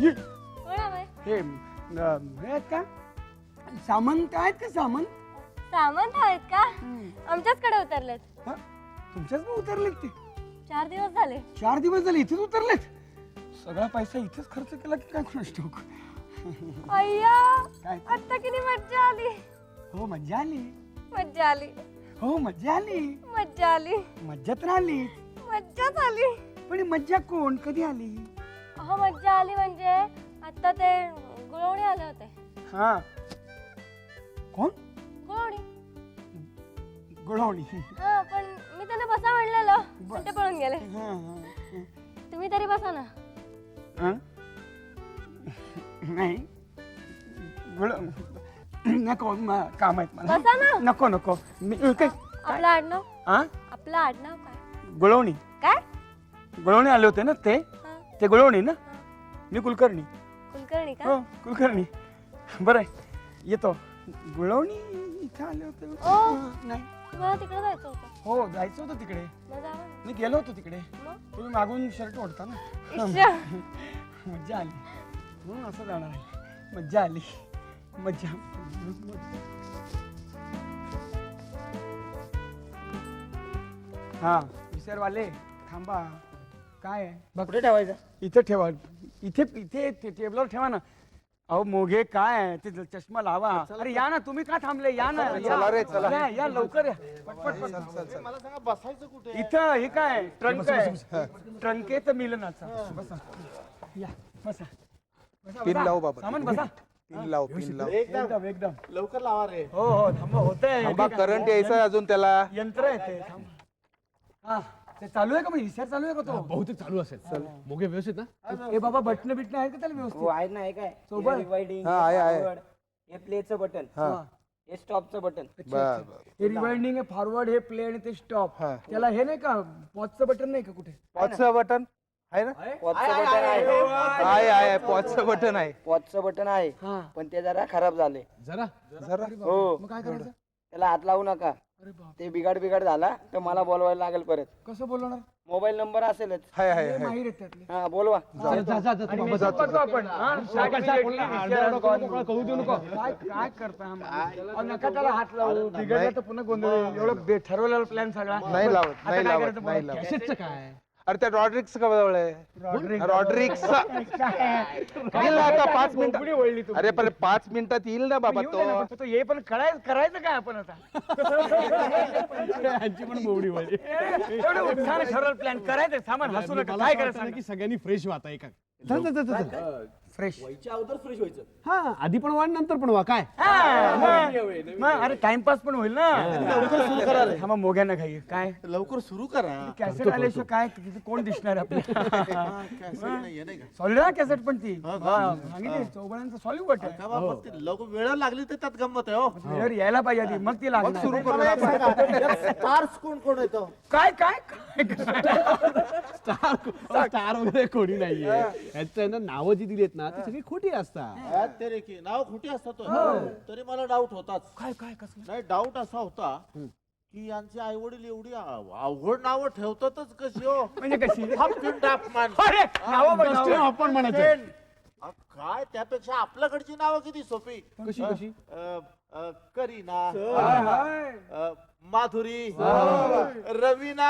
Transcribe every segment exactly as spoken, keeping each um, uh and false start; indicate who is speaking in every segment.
Speaker 1: कोण हवंय?
Speaker 2: हे अं, हे आहेत का सामंत आहेत का सामंत?
Speaker 1: सामंत आहेत का? आमच्याचकडे उतरलेत.
Speaker 2: हा? तुमच्याच मग उतरलेत ते?
Speaker 1: चार दिवस झाले.
Speaker 2: चार दिवस झाले इथेच उतरलेत? सगळा पैसा इथेच खर्च केला की काय कोणास ठाऊक.
Speaker 1: अय्या
Speaker 2: काय?
Speaker 1: आता किती मज्जा आली.
Speaker 2: हो मज्जा आली.
Speaker 1: मज्जा आली.
Speaker 2: हो मज्जा आली.
Speaker 1: मज्जा आली.
Speaker 2: मज्जा तर आली.
Speaker 1: मज्जाच आली.
Speaker 2: पण ही मज्जा कोण कधी आली?
Speaker 1: अहो मज्जा आली म्हणजे आता ते गुळवणी आले होते.
Speaker 2: हा कोण?
Speaker 1: गुळवणी.
Speaker 2: गुळवणी.
Speaker 1: हा पण मी त्यांना बसा म्हणलेलं पण ते पळून गेले.
Speaker 2: हा, हा.
Speaker 1: तुम्ही तरी बसा ना.
Speaker 2: हा? नाही गुळ नको म- काम आहेत मला.
Speaker 1: बसा ना.
Speaker 2: नको नको मी काय
Speaker 1: आपलं आडनाव
Speaker 2: हा
Speaker 1: आपलं आडनाव काय?
Speaker 2: गुळवणी.
Speaker 1: काय?
Speaker 2: गुळवणी आले होते ना ते
Speaker 1: हा,
Speaker 2: ते गुळवणी ना.
Speaker 1: हा.
Speaker 2: मी कुलकर्णी.
Speaker 1: कुलकर्णी का?
Speaker 2: हो कुलकर्णी. बरं आहे येतो. गुळवणी इथं आले होते.
Speaker 1: ओ.
Speaker 2: हा, नाही
Speaker 1: तुम्हाला तिकडे जायचं होतं.
Speaker 2: हो जायचं होतं तिकडे.
Speaker 1: मग जावा ना.
Speaker 2: मी गेलो होतो तिकडे.
Speaker 1: मग?
Speaker 2: तुम्ही मागून शर्ट ओढता ना.
Speaker 1: इश्शा.
Speaker 2: मज्जा आली म्हणून असं जाणार आहे. मज्जा आली मज्जा. हा विसरवाले थांबा. काय आहे कुठे ठेवायचं? इथे ठेवा. इथे इथे ते टेबलवर ठेवा ना. अहो मोघे काय आहे ते चष्मा लावा. अरे या ना तुम्ही का थांबले? या ना
Speaker 3: चला रे, चला.
Speaker 2: या, या लवकर या. पटपट पटपट.
Speaker 3: मला सांगा बसायचं कुठे?
Speaker 2: इथं हे काय ट्रंक आहे. ट्रंक आहे तर मिलनाचा. बसा या बसा. बसा,
Speaker 3: पिन
Speaker 2: बसा.
Speaker 3: लावू बाबा.
Speaker 2: सामान बसा.
Speaker 3: पिन लाव पिन लाव.
Speaker 2: एकदम एकदम
Speaker 3: लवकर लावा रे.
Speaker 2: हो हो थांबा होतंय.
Speaker 3: थांबा करंट यायचं अजून त्याला.
Speaker 2: यंत्र आहे ते. थांबा. हा ते चालू आहे का मग विचार चालू आहे का तो?
Speaker 4: बहुतेक चालू असेल. मोगे व्यवस्थित ना?
Speaker 2: ए बाबा बटन बिटन आहेत का त्याला
Speaker 5: हो
Speaker 2: व्यवस्थित?
Speaker 5: आहे ना. आहे काय
Speaker 2: सोबत?
Speaker 5: रिवाइडिंग,
Speaker 3: हा, आहे, आहे.
Speaker 5: हे प्लेचं बटन,
Speaker 3: हा
Speaker 5: हे स्टॉपचं बटन.
Speaker 3: बर बर.
Speaker 2: हे रिवाइंडिंग आहे फॉरवर्ड हे प्ले आणि ते स्टॉप.
Speaker 3: हा.
Speaker 2: त्याला हे नाही का पॉजचं बटन नाही का कुठे?
Speaker 3: पॉजचं बटन आहे ना?
Speaker 5: पॉजचं बटन आहे.
Speaker 3: आहे आहे पॉजचं बटन आहे.
Speaker 5: पॉजचं बटन आहे
Speaker 2: हा
Speaker 5: पण ते जरा खराब झाले.
Speaker 4: जरा
Speaker 3: जरा
Speaker 5: हो
Speaker 2: मग काय करायचं?
Speaker 5: त्याला हात लावू नका.
Speaker 2: अरे बाप
Speaker 5: ते बिघाड बिघाड झाला तर मला बोलवायला लागेल परत.
Speaker 2: कसं बोलवणार?
Speaker 5: मोबाईल नंबर असेलच.
Speaker 3: आहे आहे
Speaker 2: हे
Speaker 3: आहे.
Speaker 2: माहीर आहेत त्यातले.
Speaker 5: हा बोलवा.
Speaker 4: जा जा जा
Speaker 2: आणि message करतो आपण. हा,
Speaker 4: कळू देऊ नको.
Speaker 2: काय काय करता नका त्याला हात लावू. बिघडलं तर पुन्हा गोंधळ होईल. एवढं बे- ठरवलेला प्लॅन सगळा.
Speaker 3: नाही लावत
Speaker 2: आता
Speaker 3: नाही
Speaker 2: काय
Speaker 3: लावत
Speaker 2: करायचं
Speaker 3: नाही
Speaker 2: बोला?
Speaker 3: लावत.
Speaker 4: कॅसेटचं काय?
Speaker 3: अरे त्या रॉड्रिक्स का जवळ आहे?
Speaker 2: रॉड्रिक्स.
Speaker 3: रॉड्रिक्स येईल ना आता पाच
Speaker 2: कोंबडी वळली
Speaker 3: मिनिट.
Speaker 2: तू.
Speaker 3: अरे पण पाच मिनिटात येईल ना बाबा
Speaker 2: येऊ दे ना,
Speaker 3: तो.
Speaker 2: फक्त तो ये पण करायचं करायचं काय आपण आता?
Speaker 4: यांची पण मोवडी वळली.
Speaker 2: एवढं उत्साहाने ठरवलं प्लॅन करायचं. सामान हसू नका.
Speaker 4: मला
Speaker 2: काय
Speaker 4: असं
Speaker 2: करायचं
Speaker 4: वाटतं ना
Speaker 2: सांगा?
Speaker 4: की सगळ्यांनी फ्रेश व्हा एका. चल चल चल चल.
Speaker 2: फ्रेश.
Speaker 4: हा आधी पण व्हा नंतर पण व्हा काय.
Speaker 2: अरे टाइमपास पण होईल ना. थांबा मोग्यांना घाई काय
Speaker 3: लवकर सुरू करा.
Speaker 2: कॅसेट आल्याशिवाय काय तिथे कोण दिसणार आपल्याला? सॉलिड ना कॅसेट पण ती सांगितली चौबळांचं सॉलिड आहे.
Speaker 3: लवकर वेळ लागली तर त्यात गंमत आहे. हो
Speaker 2: वेळेवर यायला पाहिजे आधी मग ती लागणार.
Speaker 3: सुरू करू. स्टार्स कोण कोण येतो?
Speaker 2: काय काय काय
Speaker 4: स्टार स्टार वगैरे कोणी नाहीये. यांचं ना नावं जी दिली आहेत ना ती सगळी खोटी असतात.
Speaker 6: ते रे की नाव खोटी असतात तरी मला डाऊट होताच.
Speaker 2: काय काय कसलं?
Speaker 6: नाही डाऊट असा होता की यांचे आई वडील एवढी आव- अवघड नावं ठेवतातच कशी हो.
Speaker 2: म्हणजे कशी?
Speaker 6: हॉपकिन टापमान.
Speaker 2: अरे नावं बघ, नावं.
Speaker 4: आपण म्हणायचं.
Speaker 6: अ, काय त्यापेक्षा आपल्याकडची नावं किती सोपी.
Speaker 4: कशी कशी?
Speaker 6: अ, अ, करीना,
Speaker 2: हाय, हाय.
Speaker 6: अ, माधुरी, रवीना.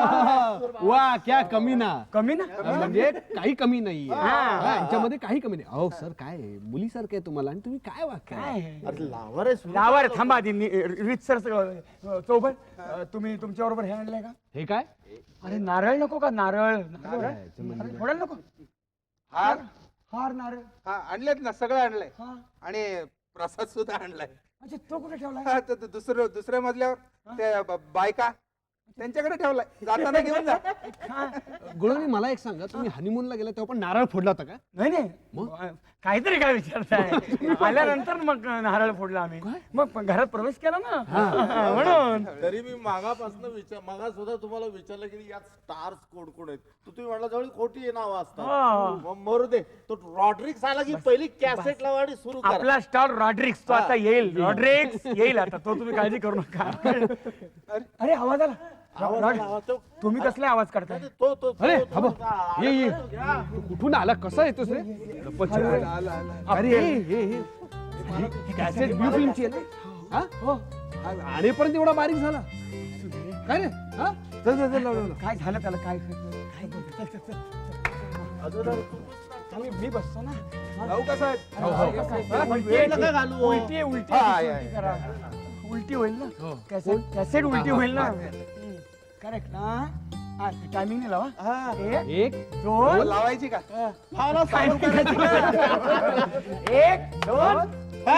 Speaker 4: वा क्या कमी ना.
Speaker 2: कमी ना?
Speaker 4: म्हणजे काही कमी नाहीये. हा, यांच्यामध्ये काही कमी नाही. अहो सर काय आहे? मुलीसारखं आहे तुम्हाला आणि तुम्ही काय वाक्य
Speaker 2: काय
Speaker 6: अरे लावा रे सुरू.
Speaker 2: नावावर थांबा आधी रीत सर चौबळ तुम्ही तुमच्या बरोबर हे आणलंय का?
Speaker 4: हे काय?
Speaker 2: अरे नारळ नको का? नारळ नारळ
Speaker 4: म्हणजे
Speaker 2: अरे, फोडायला नको.
Speaker 3: हार
Speaker 2: हार नारळ.
Speaker 3: हा आणलेत ना सगळं आणलंय.
Speaker 2: हा
Speaker 3: आणि प्रसाद सुद्धा आणलाय.
Speaker 2: अच्छा तो कुठे ठेवलाय?
Speaker 3: हा, तर- तर दुसरं दुसऱ्या मजल्यावर ते ब- बायका त्यांच्याकडे ठेवलाय. जाताना घेऊन जा.
Speaker 4: गुळवणी मला एक सांगा तुम्ही हनीमूनला गेला तेव्हा पण नारळ फोडला होता का?
Speaker 2: नाही नाही काहीतरी काय विचारताय? आल्यानंतर मग नारळ फोडला आम्ही. मग घरात प्रवेश केला ना म्हणून.
Speaker 6: तरी मी मागापासून विचार मागा सुद्धा तुम्हाला विचारलं की यात स्टार्स कोण कोण आहेत. तर तुम्ही म्हटलं जवळ खोटी नावं
Speaker 2: हा.
Speaker 6: असतात. मग मरू दे. तो रॉड्रिक्स आला की पहिली कॅसेट लावा आणि सुरू करा.
Speaker 2: आपला स्टार रॉड्रिक्स तो आता येईल. रॉड्रिक्स येईल आता तो तुम्ही काळजी करू नका. अरे आवाज आला. राज, तुम्ही कसले आवाज करताय?
Speaker 6: तो तो
Speaker 4: अरे
Speaker 6: तो-
Speaker 4: हा बघ,
Speaker 6: तो-
Speaker 4: ये ये
Speaker 6: घ्या.
Speaker 4: तू कुठून आला कसा येतोस रे लपत छपत. अरे हे हे हे कॅसेट ब्लू फिल्मची आहे ना हा? हो आणेपर्यंत एवढा बारीक झाला काय रे हा चल चल चल लाव, लाव, लाव.
Speaker 2: काय झालं त्याला? काय काय बोलतो? चल, चल, चल.
Speaker 6: अजून
Speaker 2: मी मी बसतो ना.
Speaker 3: जाऊ का साहेब?
Speaker 4: हो, हो.
Speaker 2: हा,
Speaker 6: उलटी आहे नका घालू.
Speaker 2: उलटी आहे, उलटी
Speaker 3: हा,
Speaker 2: आहे,
Speaker 3: या,
Speaker 2: उलटी
Speaker 3: या.
Speaker 2: करा. उलटी होईल
Speaker 4: हो.
Speaker 2: ना कॅसेट कॅसेट उलटी
Speaker 4: हा,
Speaker 2: होईल ना.
Speaker 4: हा.
Speaker 2: करेक्ट ना. टायमिंग लावा.
Speaker 3: हा.
Speaker 2: एक
Speaker 4: एक
Speaker 2: दोन
Speaker 3: लावायची का?
Speaker 6: फावला
Speaker 2: timing करायची. एक दोन.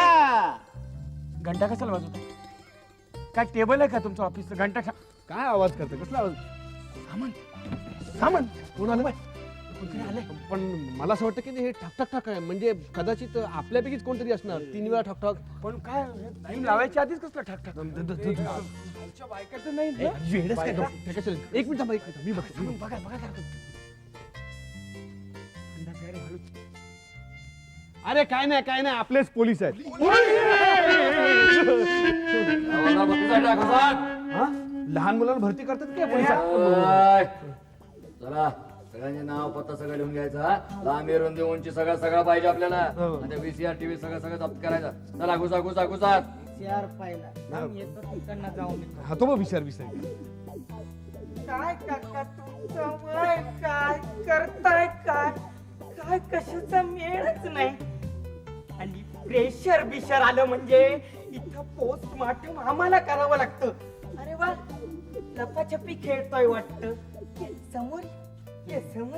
Speaker 2: घंटा कशाला वाजवता? काय टेबल आहे का तुमचं ऑफिसचं? घंटा ठा-
Speaker 4: काय आवाज करते कसला आवाज
Speaker 2: सामान सामान
Speaker 4: कोण आलं
Speaker 2: कुठे आलंय?
Speaker 4: पण मला असं वाटतं की हे ठक ठक ठक आहे म्हणजे कदाचित आपल्यापैकीच कोणतरी असणार तीन वेळा ठक ठक
Speaker 2: पण काय टाइम लावायच्या आधीच कसलं ठाक ठाक? आमच्या बायकाचं नाही ना?
Speaker 4: वेडच काय ठक- ठक असेल. एक मिनिट थांबा, एक मिनिट मी बघतो मी
Speaker 2: बघा बघा बघा. अंदाज आहे रे, हळूच.
Speaker 4: बघतो. अरे काय नाही काय नाही आपलेच पोलीस आहेत हा? लहान मुलांना भरती करतात काय पोलिसात?
Speaker 7: चला सगळ्यांचे नाव पत्ता सगळं लिहून घ्यायचा लांबी रुंदी उंची सगळं सगळं पाहिजे आपल्याला आणि व्हीसीआर टीव्ही सगळं सगळं जप्त करायचा चला घुसा घुसा घुसा
Speaker 5: चार पाहिला थांब, येतो तिकडनं जाऊन येतो.
Speaker 4: हा तो मग विचार विचार
Speaker 5: काय काका तुमचं वय काय करताय काय काय कशाचा मेळच नाही आणि प्रेशर बिशर आलं म्हणजे इथं पोस्टमार्टम आम्हाला करावं लागतं. अरे वा लपाछपी खेळतोय वाटतं. ये समोर ये समोर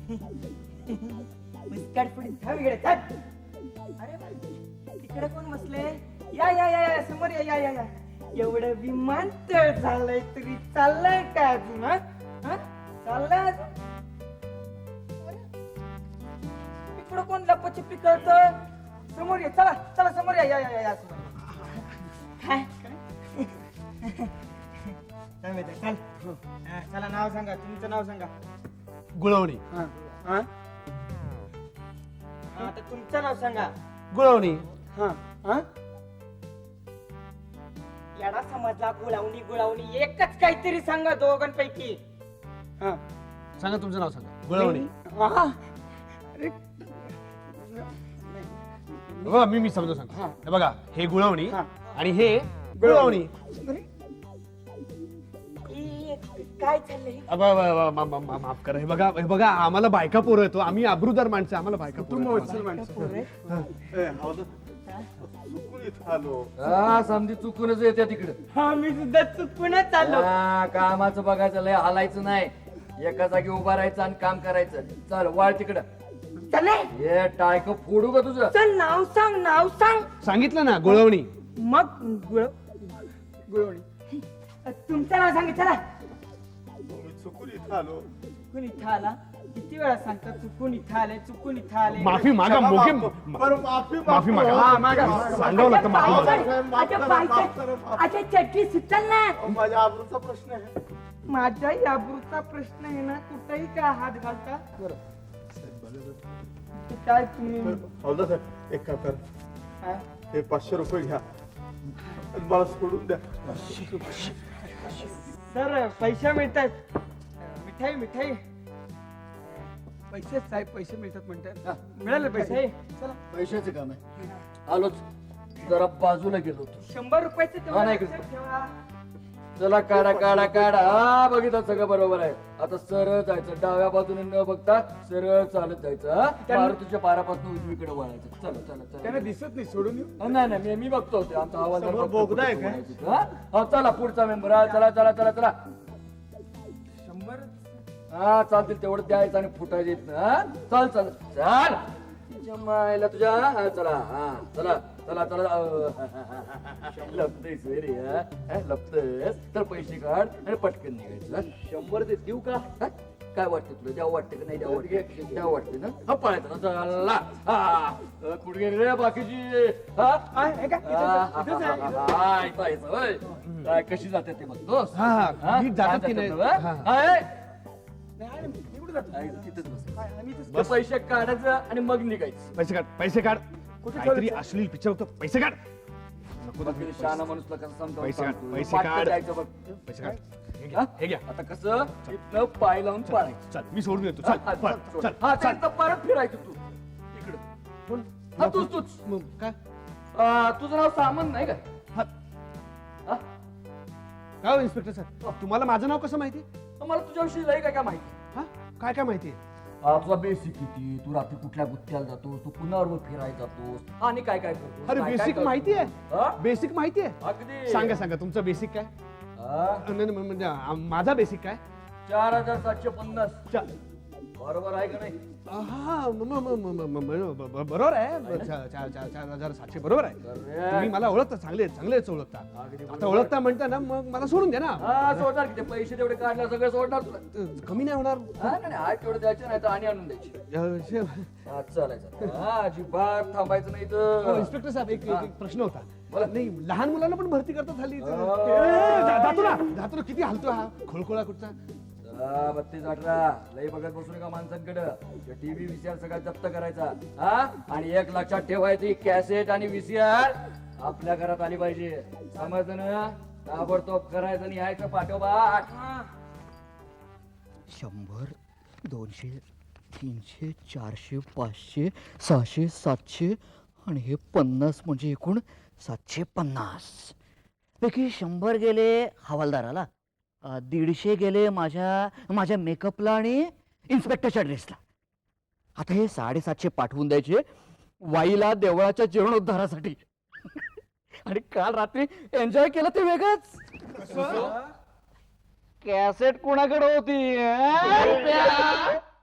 Speaker 5: मुस्काट पुढे थांब इकडे थांब. अरे वा तिकडे कोण बसले? या या या या समोर या या या या एवढं विमानतळ झालंय तरी चाललंय काय अजून हा? हा? चाललंय अजून? इकडं कोण लपाछपी करतोय? समोर ये चला चला समोर या या या या समोर. काय काय माहिती चल हा, चला नाव सांगा तुमचं नाव सांगा.
Speaker 4: गुळवणी
Speaker 2: हा, हा,
Speaker 5: हा, आता तुमचं नाव सांगा.
Speaker 4: गुळवणी
Speaker 2: हा, हा.
Speaker 5: येडा समजला गुळावणी गुळावणी एकच काहीतरी सांगा दोघांपैकी.
Speaker 2: हा.
Speaker 4: सांगा तुमचं नाव सांगा गुळवणी
Speaker 2: हा. अरे
Speaker 4: बघा मी मी समजा सांगतो
Speaker 2: हा.
Speaker 4: हे बघा हे गुळवणी
Speaker 2: हा.
Speaker 4: आणि हे गुळवणी
Speaker 5: ए, काय चाललंय?
Speaker 4: अब- अब- अब- मा- मा- मा- माफ करा हे बघा हे बघा आम्हाला बायका पोरं येतो आम्ही आबरूदार माणसं आम्हाला बायका
Speaker 2: कुटुंब
Speaker 4: पोरं
Speaker 2: वत्सल माणसं.
Speaker 6: ए, हवं तर. चुकून इथं आलो.
Speaker 7: हा समजी चुकूनच येते तिकडे
Speaker 5: हा मी सुद्धा चुकूनच आलो.
Speaker 7: कामाचं बघायचं लय हालायचं नाही एका जागी उभा राहायचं आणि काम करायचं चल वाळ तिकडं
Speaker 5: चल
Speaker 7: हे टायक फोडू का तुझं
Speaker 5: चल नाव सांग नाव सांग.
Speaker 4: सांगितलं ना गुळवणी
Speaker 5: मग गुळ
Speaker 2: गुळवणी.
Speaker 5: तुमचं नाव सांग चला.
Speaker 6: मी चुकून इथं आलो.
Speaker 5: चुकून इथं आला किती वेळा सांगता चुकून इथं आले चुकून इथं आले.
Speaker 4: माफी मागा मोके
Speaker 6: बरं, माफी
Speaker 4: माफी मागा
Speaker 2: हा, मागा.
Speaker 4: सांगावं लागतं माफी मागा
Speaker 5: अच्छा बायका अच्छा चटणी सुचल ना.
Speaker 6: माझ्या आबरूचा प्रश्न आहे.
Speaker 5: माझ्या याबरूचा प्रश्न आहे ना कुठेही काय हात घालता. ते काय तुम्ही
Speaker 6: हवं साहेब एक काम कर
Speaker 5: काय?
Speaker 6: हे पाचशे रुपये घ्या आणि मला सोडून द्या.
Speaker 5: सर पैसे मिळतात. मिठाई मिठाई
Speaker 2: पैसे साहेब पैसे मिळतात म्हणतात. मिळाले पैसे.
Speaker 5: मिठाई
Speaker 2: चला.
Speaker 7: पैशाचं काम आहे आलोच जरा बाजूला गेलो होतो
Speaker 5: शंभर रुपयाचे
Speaker 7: हा,
Speaker 5: तेवढं
Speaker 7: नाही.
Speaker 5: लक्षात ठेवा.
Speaker 7: चला काढा काढा काढा हा बघितलं सगळं बरोबर आहे आता सरळ जायचं डाव्या बाजूने न बघता सरळ चालत जायचं हा? मारुतीच्या पारापासून उजवीकडे वळायचं चला चला
Speaker 2: त्यांना
Speaker 7: चला
Speaker 2: दिसत नाही सोडून येऊ.
Speaker 7: हा, नाही नाही मी मी बघतो ते आमचा आवाज
Speaker 6: समोर बोगदा आहे काय?
Speaker 7: हा चला पुढचा मेंबर हा चला चला चला चला
Speaker 2: शंभर.
Speaker 7: हा चालतील तेवढं द्यायचं आणि फुटायचं येत ना हा? चल चल चल तुझ्या मायला तुझ्या हा चला हा चला चला चला लपतेस रे हा? हा, लपतेस तर पैसे काढ आणि पटकन निघायचं हा? शंभर ते देऊ का हा? काय वाटतं तुला द्यावं वाटतं का नाही द्यावं वाटतं द्यावं वाटतं ना हा पळायचं ना चला हा अ, कुठे गेली रे बाकीची हा
Speaker 2: हा, हे का? इथेच आहे, इथेच आहे, इथेच आहे.
Speaker 7: हा, इथं आहेस, होय. काय कशी जाते ते बघतोस
Speaker 4: हा, हा. नीट जातात की नाही?
Speaker 7: हा?
Speaker 4: हा.
Speaker 7: हा, ए.
Speaker 2: नाही, मी कुठे जातो?
Speaker 7: आहे, तिथेच बस.
Speaker 2: हा, आम्ही इथेच-
Speaker 7: ते पैसे काढायचं आणि मग निघायचं
Speaker 4: पैसे काढ पैसे काढ
Speaker 2: कुठे
Speaker 4: काहीतरी
Speaker 2: ठेवलं?
Speaker 4: अश्लील पिक्चर होतं पैसे काढ नको
Speaker 7: मग ते शहाणा माणूसला कसं समजावून
Speaker 4: पैसे काढ,
Speaker 7: सांगतो.
Speaker 4: पैसे
Speaker 7: पाटकन
Speaker 4: काढ.
Speaker 7: जायचं बघ
Speaker 4: पैसे काढ हे घ्या, हे घ्या.
Speaker 7: आता कसं इथनं पाय लावून पाळायचं.
Speaker 4: चल मी सोडून येतो.
Speaker 7: हा,
Speaker 4: चल
Speaker 7: हा,
Speaker 4: पळ,
Speaker 7: चल,
Speaker 4: चल
Speaker 7: हा,
Speaker 4: चल.
Speaker 7: ते परत फिरायचं तू इकडं.
Speaker 4: कोण?
Speaker 7: हा, तूच तूच
Speaker 4: मग काय
Speaker 7: आ, तुझं नाव सामंत नाही काय
Speaker 4: हा,
Speaker 7: हा?
Speaker 4: काय हो इन्स्पेक्टर सर तुम्हाला माझं नाव कसं माहिती
Speaker 7: मला तुझ्याविषयी लय काय काय माहिती.
Speaker 4: हा काय काय माहिती
Speaker 7: आ, तुझा बेसिक किती, तू रात्री कुठल्या गुत्त्याला जातोस, तू पुन्हावर फिरायला जातोस आणि काय काय करतो.
Speaker 4: अरे बेसिक माहिती आहे बेसिक माहिती आहे
Speaker 7: अगदी
Speaker 4: सांगा सांगा तुमचं बेसिक काय
Speaker 7: हा?
Speaker 4: नाही, नाही, म्हणजे आ, माझा बेसिक काय
Speaker 7: चार हजार सातशे पन्नास
Speaker 4: चा-
Speaker 7: बरोबर आहे का नाही.
Speaker 4: हा म- म- म- म- म- म- ब- ब- बरोबर आहे ब- चा- चा- चा- चार हजार सातशे बरोबर आहे
Speaker 7: Correct.
Speaker 4: तुम्ही मला ओळखता चांगले चांगलेच ओळखता
Speaker 7: अगदी
Speaker 4: आता
Speaker 7: बरोबर.
Speaker 4: ओळखता म्हणता ना मग मला सोडून द्या ना
Speaker 7: हा सोडणार की ते पैसे तेवढे काढले सगळे सोडणार तुला.
Speaker 4: अ, कमी नाही होणार
Speaker 7: हा नाही नाही, आज तेवढे द्यायचे नाही तर आणि आणून द्यायचे.
Speaker 4: अ, शे-
Speaker 7: हा, चालायचं हा अजिबात थांबायचं नाही
Speaker 4: हो,
Speaker 7: तर.
Speaker 4: इन्स्पेक्टर साहेब एक एक- एक प्रश्न होता
Speaker 7: बोला.
Speaker 4: नाही लहान मुलांना पण भरती करतात हल्ली
Speaker 7: अ.
Speaker 4: ए, जा- जातो ना जातो ना किती हलतो हा खोळखोळा कुठचा
Speaker 7: हा, बत्तीस अठरा लई बघत बसू नका माणसांकडं. टीव्ही व्हीसीआर सगळा जप्त करायचा हा आणि एक लक्षात ठेवायची कॅसेट आणि व्हीसीआर आपल्या घरात आली पाहिजे. समजलं ना. ताबडतोब करायचं आणि यायचं पाठोपाठ.
Speaker 8: शंभर दोनशे तीनशे चारशे पाचशे सहाशे सातशे आणि हे पन्नास म्हणजे एकूण सातशे पन्नास पैकी शंभर गेले हवालदाराला, अ, दीडशे गेले माझ्या माझ्या मेकअपला आणि इन्स्पेक्टरच्या ड्रेसला. आता हे साडेसातशे पाठवून द्यायचे वाईला देवळाच्या जीर्णोद्धारासाठी. आणि काल रात्री एन्जॉय केलं ते वेगळंच. कॅसेट कोणाकडे होती अं?